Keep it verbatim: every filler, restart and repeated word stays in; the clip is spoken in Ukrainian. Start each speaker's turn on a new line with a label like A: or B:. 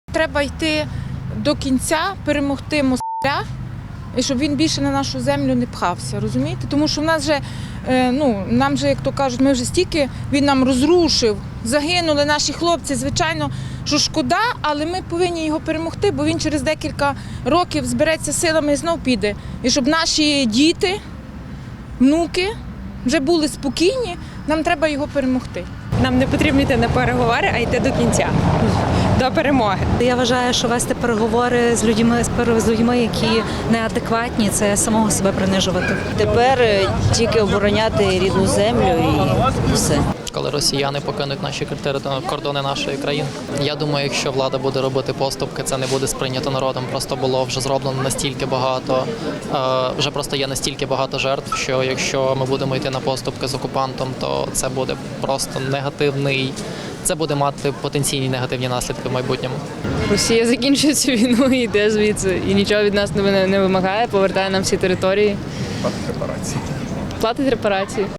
A: Треба йти до кінця, перемогти москаля, і щоб він більше на нашу землю не пхався, розумієте? Тому що в нас вже, ну, нам же, як то кажуть, ми вже стільки, він нам розрушив, загинули наші хлопці, звичайно, що шкода, але ми повинні його перемогти, бо він через декілька років збереться силами і знов піде. І щоб наші діти, внуки вже були спокійні, нам треба його перемогти.
B: Нам не потрібно йти на переговори, а йти до кінця, до перемоги.
C: Я вважаю, що вести переговори з людьми, з людьми, які неадекватні, це самого себе принижувати.
D: Тепер тільки обороняти рідну землю і все.
E: Коли росіяни покинуть наші кордони нашої країни. Я думаю, якщо влада буде робити поступки, це не буде сприйнято народом. Просто було вже зроблено настільки багато, вже просто є настільки багато жертв, що якщо ми будемо йти на поступки з окупантом, то це буде просто негативний, це буде мати потенційні негативні наслідки в майбутньому.
B: Росія закінчує цю війну і йде звідси. І нічого від нас не вимагає, повертає нам всі території.
F: Платить репарації.
B: Платить репарації.